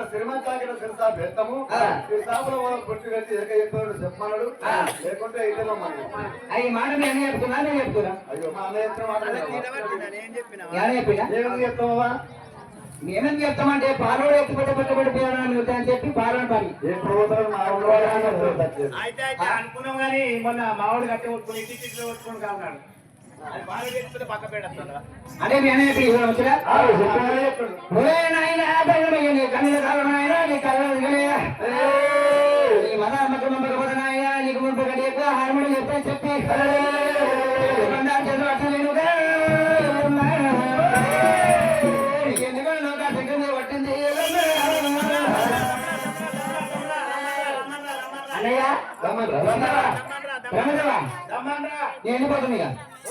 శ్రీమంతాగిన సిరసా బెత్తము ఈ సాపులో పుట్టి కట్టి చెప్పాడు చెప్పమన్నాడు లేకుంటే అయితే అవి మాట నేను చెప్తున్నా నేను చెప్తున్నా అయ్యో మా అన్న చెప్తున్నా ఏమని చెప్తావా నేనేం చెప్తామంటే పాలోడు ఎత్తి పెట్టబెట్టబడిపోయాను అని చెప్పి పాలోడు పని ఎప్పుడు పోతారు మా ఊళ్ళో అయితే అనుకున్నాం కానీ మొన్న మావాడు కట్టి కొట్టుకుని ఇంటి కొట్టుకుని కాన్నాడు అదే నేనే కన్నీళ్ళ కాలం నీ కళ్ళ మన అమ్మకం అమ్మకపోతున్నాయా నీకు ముందు గడియకు హార్మోని చెప్పి చెప్పి పట్టింది అన్నయ్య నేను పోతుంది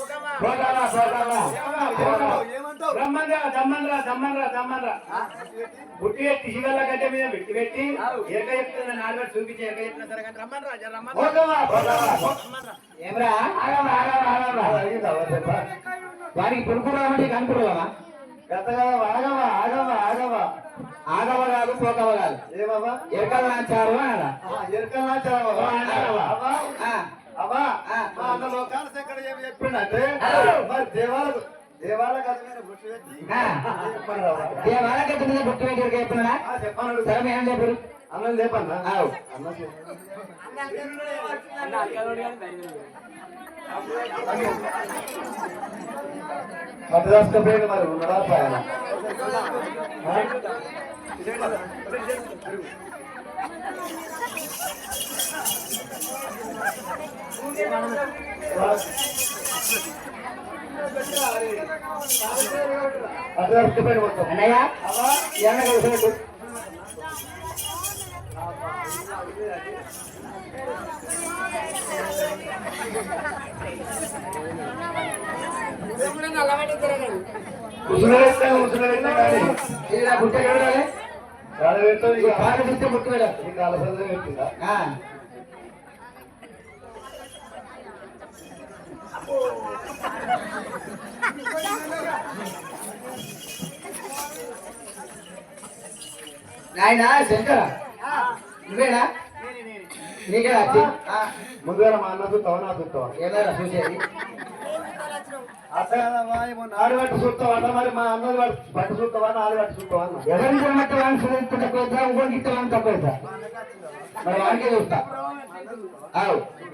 బుట్టి పెట్టి శివల్ల గడ్డ మీద పెట్టి పెట్టి ఎరక చెప్తున్నా నాలుగు చూపించి ఎరక చెప్పిన సరే కానీ ఏమరా వారికి పురుకురామంటే కనుకురావా ఆగవా ఆగవా ఆగవా ఆగవ కాదు పోకవ కాదు ఏమవ్వా ఎరకల నాచారు అనాలా ఎరకల నాచారు అబ్బా మా అన్న లోకాలు ఎక్కడ చెప్పిండంటే మరి దేవాలకి మీద బుట్టి పెట్టి చెప్పినా చెప్పన్నాడు సరే ఏం చెప్పారు అన్నం లేపన్నా అన్న పట్టుదాసుకపోయాడు మరి ఉన్నదా పాయన పట్టుదాసుకపోయాడు మొత్తం అన్నయ్య ఎన్న కలిసినట్టు బుట్టి పెట్టిందా నాయన శంకర నువ్వేనా నీకే వచ్చి ముందుగా మా అన్న చూస్తావా నా చూస్తావా ఏదైనా చూసేది నాడు పట్టు చూస్తావా అన్న మరి మా అన్నది పట్టు చూస్తావా నాడు పట్టు చూస్తావా అన్న ఎవరికి మట్టి వాడిని తక్కువ ఇంకోటి తక్కువ మరి వాడికే చూస్తా